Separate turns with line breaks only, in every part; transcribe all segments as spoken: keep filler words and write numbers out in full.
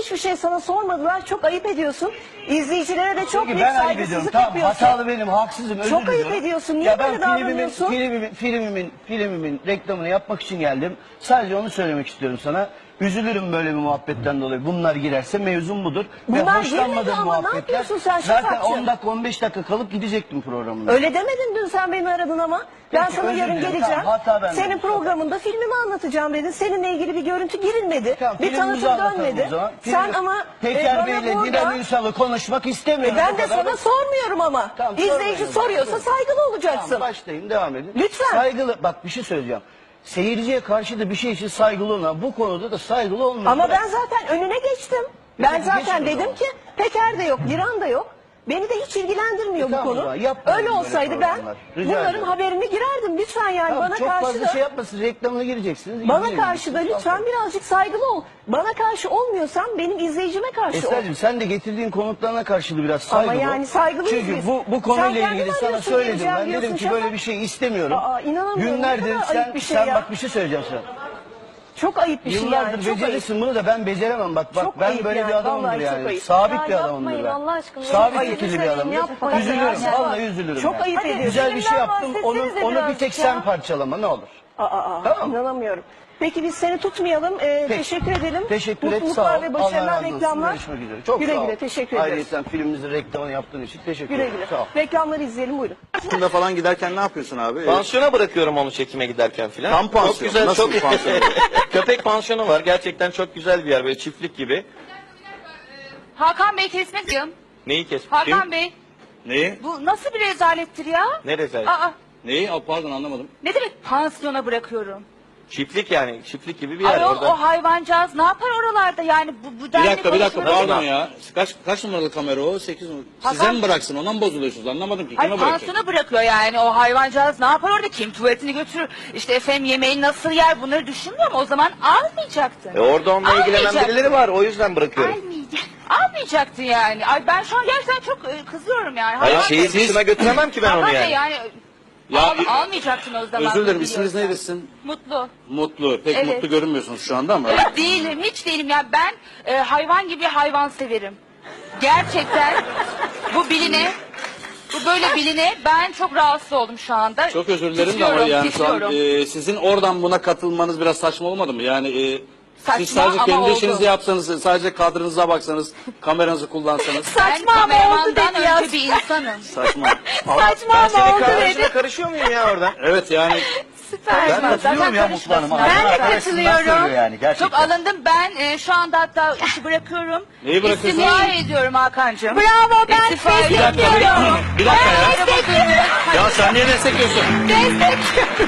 hiçbir şey sana sormadılar. Çok ayıp ediyorsun. İzleyicilere de çok büyük
ben ayıp ediyorum.
saygısızlık
Tamam,
yapıyorsun.
hatalı benim, haksızım, özür
Çok ayıp
diliyorum.
ediyorsun. Niye
ya ben
böyle
filmimin,
davranıyorsun?
filmimin, filmimin, filmimin reklamını yapmak için geldim. Sadece onu söylemek istiyorum sana. Üzülürüm böyle bir muhabbetten dolayı. Bunlar girerse mevzum budur.
Bunlar
Ve hoşlanmadığım
girmedi ama ne
muhabbetler.
yapıyorsun sen
Zaten
Şafakcığım?
on dakika on beş dakika kalıp gidecektim programına.
Öyle demedin dün sen beni aradın ama. Ben
Peki,
sana
özür
yarın
dilerim.
geleceğim.
Tamam, hata benden.
Senin programında filmimi anlatacağım dedin. Seninle ilgili bir görüntü girilmedi.
Tamam,
bir
filmimizi
tanıtım
anlatalım
dönmedi.
o zaman.
Sen
Filmi-
ama
Peker
e, bana
Bey'le
burada...
Didem Ünsal'ı konuşmak
E,
istemiyorum.
ben
O
de
kadar
sana
basit.
sormuyorum ama.
Tamam,
İzleyici
sormayın.
soruyorsa saygılı olacaksın.
Tamam, başlayayım, devam edin.
Lütfen.
Saygılı, bak bir şey söyleyeceğim. Seyirciye karşı da bir şey için saygılı olma. Bu konuda da saygılı olma.
Ama ben zaten önüne geçtim. Ben
Peki,
zaten
geçin o
dedim
zaman.
ki Peker de yok, Dilan da yok. Beni de hiç ilgilendirmiyor
E,
bu
tamam o
konu.
zaman, yapmayın
Öyle
böyle
olsaydı ben
programlar. Rica
bunların
ederim.
haberini girerdim. Lütfen yani
Tamam,
bana
çok
karşı
fazla
da...
şey yapmasın, reklamına gireceksiniz.
Bana
ilgilenin.
karşı da lütfen birazcık saygılı ol. Bana karşı olmuyorsan benim izleyicime karşı ol.
Esra'cığım sen de getirdiğin konuklarına karşı da biraz saygılı
Ama
ol.
yani saygılıyız
Çünkü
biz.
bu, bu
Sen
konuyla
kendin
ilgili sana
arıyorsun,
söyledim.
geleceğim
Ben dedim
diyorsun,
ki
Şafak.
böyle bir şey istemiyorum.
Aa, inanamıyorum.
Günlerdir
Ne kadar
sen,
ayıp bir şey
sen
ya.
bak bir şey söyleyeceğim sana.
Çok ayıp bir şey
Yıllardır
yani. Çok ayıp.
becerirsin bunu da ben beceremem bak. Bak
Çok
ben
ayıp
böyle
yani,
bir adamımdır
vallahi çok
yani.
ayıp.
Sabit
Ya
bir adamımdır
yapmayın
ben.
Allah aşkına.
Sabit
Ayıp.
fikirli bir
Lütfen
adamımdır.
yapmayın.
Üzülürüm.
Ya.
Vallahi üzülürüm.
Çok
yani.
ayıp ediyorsun.
Güzel bir şey
Filmden
yaptım. Onu,
bahsetsenize
onu bir
birazcık
tek
ya.
sen parçalama ne olur.
Aa, aa,
Tamam.
inanamıyorum. Peki biz seni tutmayalım. Ee,
Peki.
teşekkür edelim.
Teşekkür et,
Mutluluklar
sağ ol.
ve
Allah
başarılar,
razı olsun.
reklamlar.
Görüşmek üzere. Çok
güle
sağ ol.
güle teşekkür ederiz.
Ayrıca filmimizin reklamını yaptığın için teşekkür
Güle
ederim.
güle.
Sağ ol.
Reklamları izleyelim buyurun.
Aslında falan giderken ne yapıyorsun abi?
Pansiyona bırakıyorum onu çekime giderken filan.
Tam pansiyon.
Çok güzel,
Nasıl
çok
pansiyon?
köpek pansiyonu var. Gerçekten çok güzel bir yer, böyle çiftlik gibi.
Hakan Bey kesmek diyorum.
Neyi kes?
Hakan
Kim?
Bey,
Neyi?
bu nasıl bir rezalettir ya?
Ne rezalet?
Aa,
Neyi? Aa, pardon anlamadım.
ne demek pansiyona bırakıyorum?
Çiftlik yani, çiftlik gibi bir yer
Ayol
orada.
o hayvancağız ne yapar oralarda yani bu, bu
Bir
denli
dakika bir dakika
konuşmaları-
pardon ya. Kaç kaç numaralı kamera o? sekiz numaralı. Size
Hakan-
mi bıraksın? Ondan mı bozuluyorsunuz? Anlamadım ki.
Hayır
Kime bırakacak?
pansiyona bırakıyor yani o hayvancağız ne yapar orada, kim tuvaletini götürür, işte efendim yemeğini nasıl yer, bunları düşünmüyor mu? O zaman almayacaktın.
E orada onunla ilgilenen
Almayacaktın.
birileri var, o yüzden bırakıyorum.
Almayacaktın. Almayacaktın yani. Ay ben şu an gerçekten çok e, kızıyorum yani.
Hayır,
Hakan
şeyi
Bey-
dışına götüremem ki ben
Hakan
onu
Bey
yani.
yani
Ya,
al,
e-
almayacaktın o zaman.
Özür dilerim.
bunu
İsminiz
biliyorsan.
neydi sizin?
Mutlu.
Mutlu. Pek
Evet.
mutlu görünmüyorsunuz şu anda ama.
Evet, değilim, hiç değilim. Yani ben e, hayvan gibi hayvan severim. Gerçekten bu biline, bu böyle biline ben çok rahatsız oldum şu anda.
Çok özür dilerim de
Titriyorum,
ama yani şu an
titriyorum.
e, sizin oradan buna katılmanız biraz saçma olmadı mı? Yani e,
Saçma
siz sadece
ama
kendi
oldu.
işinizi yapsanız, sadece kadrınıza baksanız, kameranızı kullansanız.
Ben
Saçma ama oldu
kameramandan
dedi ya.
önce bir insanım.
Saçma.
Saçma
Ben
ama
senin
oldu
kardeşine
dedi.
karışıyor muyum ya orada?
Evet yani
Süper.
Ben katılıyorum ya Mutlu Hanım'a.
Ben de
Arkadaşından söylüyor
katılıyorum.
yani, gerçekten.
Çok alındım. Ben e, şu anda hatta işi bırakıyorum.
Neyi bırakıyorsun?
İstifa ediyorum Hakan'cığım.
Bravo, ben
İstifa
destek
ediyorum.
ediyorum.
bir dakika ya.
Destekliyorum.
Ya sen niye destekliyorsun?
Destek.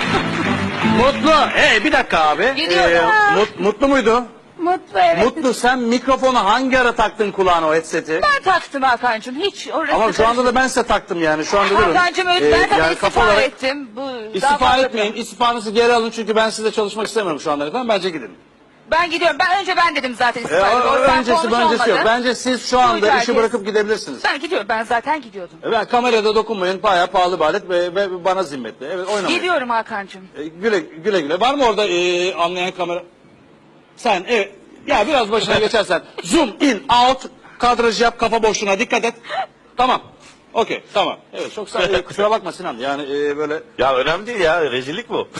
Mutlu. Hey bir dakika abi.
Gidiyorum.
mut- mutlu muydu?
Mutlu evet.
Mutlu sen mikrofonu hangi ara taktın kulağına o headset'i?
Ben taktım Hakan'cığım. Hiç orası
Ama şu anda da ben size taktım yani şu anda durun.
Hakan'cığım
Ee,
ben zaten
yani
istifa
kafa olarak
ettim. Bu, daha
istifa
fazla
etmeyin. İstifanızı geri alın çünkü ben sizle çalışmak istemiyorum şu anda efendim. Bence gidin.
Ben gidiyorum. Ben önce ben dedim zaten
Ee,
istifa ediyorum. O yüzden
öncesi
konuş
öncesi yok.
olmadı.
Bence siz şu anda
Duydu
işi
herkes.
bırakıp gidebilirsiniz.
Ben gidiyorum. Ben zaten gidiyordum.
Ben kamerada dokunmayın. Bayağı pahalı bir alet ve, ve bana zimmetli. Evet oynamayın.
Gidiyorum Hakan'cığım.
Ee, güle güle güle. Var mı orada e, anlayan kamera? Sen evet. Ya biraz başına geçersen. Zoom in out. Kadraj yap. Kafa boşluğuna dikkat et. Tamam. Okey tamam. Evet çok sağ e, kusura bakma Sinan. Yani e, böyle
Ya önemli değil ya, rezillik bu.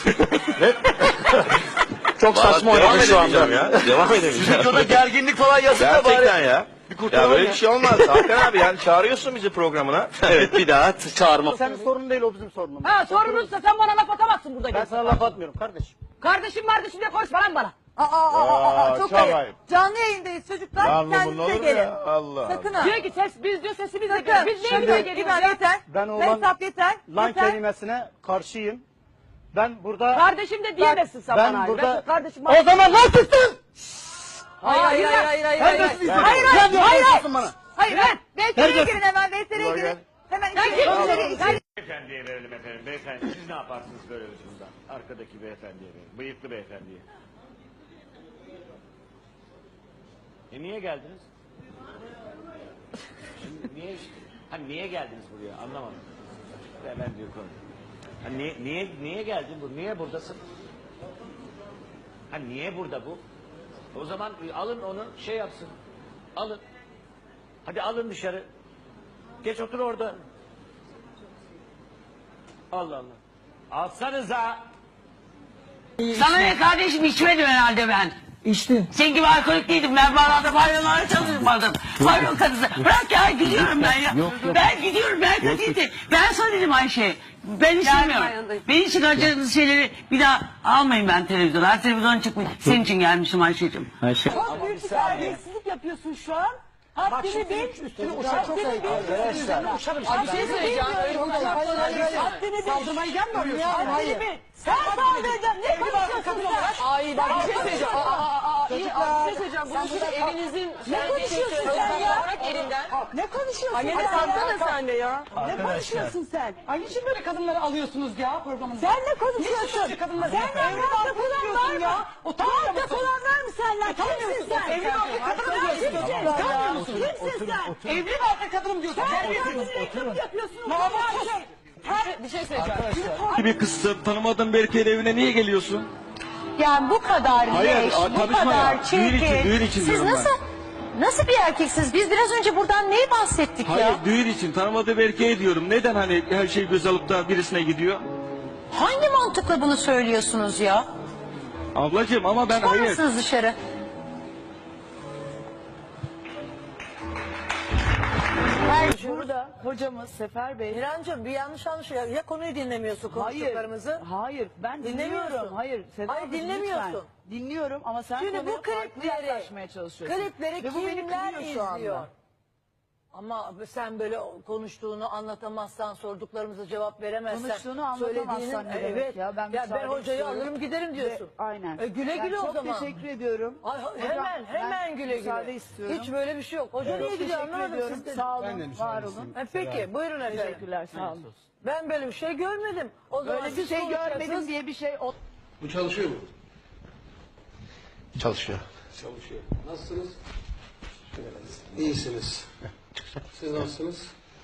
çok saçma
Devam
oynamış şu anda.
edemeyeceğim ya. Devam edemeyeceğim.
Videoda gerginlik falan yazın da bari.
Gerçekten ya. Ya böyle bir şey olmaz. Hakan abi yani çağırıyorsun bizi programına.
Evet bir daha t- çağırma.
Senin sorunun değil, o bizim sorunumuz.
Ha sorunuzsa sen bana laf atamazsın burada.
Ben sana laf atmıyorum kardeşim.
Kardeşim kardeşim diye konuşma lan bana.
Aa, aa, aa, aa, çok
çok
ayıp.
ayıp.
Canlı yayındayız çocuklar. Kendinize gelin.
Allah.
Sakın ha.
Diyor ki ses biz diyor sesimiz de
Sakın.
biz
Şimdi
neyimize geliyoruz
İbrahim
ya?
yeter.
Ben olan
Mehtap yeter.
lan
yeter.
kelimesine karşıyım. Ben burada...
Kardeşim de diyemezsin sen
ben
bana.
burada-
Ben kardeşim
O zaman lan sustun!
Hayır hayır hayır hayır hayır.
Sen
Hayır
nasıl
hayır hayır.
Hayır hayır.
hayır.
bana.
Hayır ben. V T R'ye
Nerede?
girin hemen V T R'ye girin. Hemen içeri içeri içeri.
Beyefendiye verelim efendim. Beyefendi siz ne yaparsınız böyle durumda? Arkadaki beyefendiye verelim. Bıyıklı beyefendiye. E niye geldiniz? Şimdi niye hani niye geldiniz buraya? Anlamadım. Hemen diyor konu. Hani niye niye niye geldin bu? Niye buradasın? Hani niye burada bu? O zaman e, alın onu şey yapsın. Alın. Hadi alın dışarı. Geç otur orada. Allah Allah. Alsanıza.
Sana ne kardeşim, içmedim herhalde ben.
İçtin.
Senin gibi alkolik değildim. Ben bağlarda pavyonlarda çalışmadım. Pavyon kadısı. Bırak ya, gidiyorum ben ya. Ben gidiyorum, ben kötüydüm. Ben sana dedim Ayşe. Ben istemiyorum.
yanındayım.
Beni için harcadığınız şeyleri bir daha almayın ben televizyona. Her televizyona çıkmış. Senin için gelmişim Ayşe'cim.
Çok büyük bir terbiyesizlik yapıyorsun şu an. Haddini bil. Üstüne uçak çok ayıp.
Bir şey söyleyeceğim. Öyle uçak-
Haddini bil.
Saldırmayı gel mi arıyorsun?
Haddini bil. Sen saldıracaksın. Ne konuşuyorsun sen ya?
Ay bak bir şey söyleyeceğim. Aa, aa, aa, iyi, aa, bir şey söyleyeceğim. Bunu şimdi evinizin...
Ne konuşuyorsun sen ya?
Bırak elinden.
Ne konuşuyorsun
Anne
sen
kalksana
ya?
sen de ya.
Ne konuşuyorsun sen?
Ay niçin böyle kadınları alıyorsunuz ya programınıza?
Sen ne konuşuyorsun?
Niçin kadınları?
Senden rahat dokunan var mı?
ya? Utanmıyor
Rahat
musun?
dokunan var mı senden? Kimsin sen?
Evli barklı kadınım diyorsun. Utanmıyor musun?
Kimsin sen?
Evli barklı kadınım diyorsun.
Sen
Terbiyesiz.
kadın yapıyorsun.
Namussuz. Bir şey söyleyeceğim.
Bir kızsın, tanımadığın bir erkeğin evine niye geliyorsun?
Yani bu kadar
Hayır,
leş,
a-
bu
tanışma
kadar
ya.
çirkin.
Düğün için, düğün için
Siz
diyorum ben.
nasıl nasıl bir erkeksiniz? Biz biraz önce buradan neyi bahsettik
Hayır,
ya?
düğün için tanımadığı bir erkeğe diyorum. Neden hani her şey göz alıp da birisine gidiyor?
Hangi mantıkla bunu söylüyorsunuz ya?
Ablacığım ama ben
Çıkar
hayır.
mısınız dışarı?
Burada hocamız Sefer Bey.
İrancığım bir yanlış anlaşılıyor. Ya konuyu dinlemiyorsun konuştuklarımızı?
Hayır, ben
Dinlemiyorsun.
dinlemiyorum. Hayır, Seda
Hayır,
ablacığım,
dinlemiyorsun.
lütfen. Dinliyorum ama sen
Şimdi
konuya
bu
farklı
klipleri,
yaklaşmaya çalışıyorsun.
klipleri
Ve bu beni
kimler
kırıyor şu anda.
izliyor? Ama sen böyle konuştuğunu anlatamazsan, sorduklarımıza cevap veremezsen.
Konuştuğunu anlatamazsan
söylediğinin-
ne demek
evet,
ya? Ben
ya ben
müsaade
hocayı
istiyorum.
alırım giderim diyorsun.
Ve- aynen.
E, güle
Ben
güle o
çok
zaman.
teşekkür ediyorum.
Ay,
Hocam,
hemen hemen
ben
güle
müsaade
güle.
istiyorum.
Hiç böyle bir şey yok. Hoca
Çok
niye gidiyor
teşekkür
anlamadım
ediyorum.
siz de.
Sağ olun, var olun.
E, peki buyurun efendim.
Teşekkürler, sağ olun.
Ben böyle bir şey görmedim. O zaman
Böyle bir
siz
şey
konuşacaksınız.
görmedim diye bir şey... o-
Bu çalışıyor mu? Çalışıyor.
Çalışıyor.
Nasılsınız? İyisiniz. Siz nasılsınız?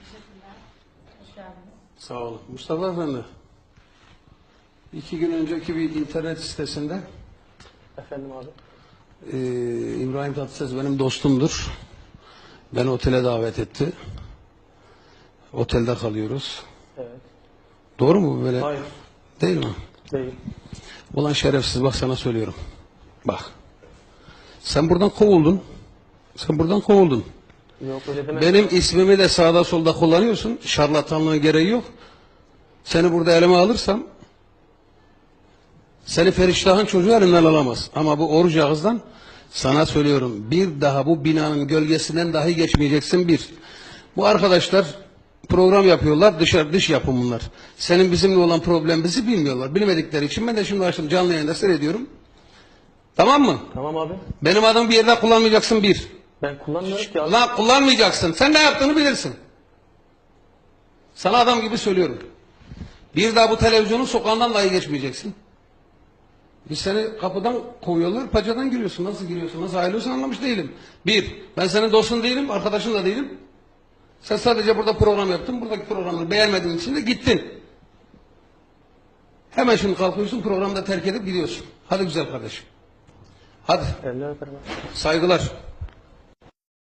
Sağ olun. Mustafa Efendi. İki gün önceki bir internet sitesinde
Efendim abi.
e, İbrahim Tatlıses benim dostumdur. Beni otele davet etti. Otelde kalıyoruz.
Evet.
Doğru mu bu böyle?
Hayır.
Değil mi?
Değil.
Ulan şerefsiz bak sana söylüyorum. Bak. Sen buradan kovuldun. Sen buradan kovuldun.
Yok öyle deme.
Benim ismimi de sağda solda kullanıyorsun. Şarlatanlığın gereği yok. Seni burada elime alırsam seni Feriştah'ın çocuğu elimden alamaz. Ama bu oruç ağızdan sana söylüyorum. Bir daha bu binanın gölgesinden dahi geçmeyeceksin bir. Bu arkadaşlar program yapıyorlar. Dışarı dış yapım bunlar. Senin bizimle olan problemimizi bilmiyorlar. Bilmedikleri için ben de şimdi açtım canlı yayında seyrediyorum. Tamam mı?
Tamam abi.
Benim adımı bir yerde kullanmayacaksın bir.
Ben kullanmıyorum ki abi.
Lan kullanmayacaksın. Sen ne yaptığını bilirsin. Sana adam gibi söylüyorum. Bir daha bu televizyonun sokağından dahi geçmeyeceksin. Biz seni kapıdan kovuyorlar, pacadan giriyorsun. Nasıl giriyorsun, nasıl ayrılıyorsun anlamış değilim. Bir, ben senin dostun değilim, arkadaşın da değilim. Sen sadece burada program yaptın, buradaki programını beğenmediğin için de gittin. Hemen şimdi kalkıyorsun, programı da terk edip gidiyorsun. Hadi güzel kardeşim. Hadi,
Eller öperim abi.
saygılar.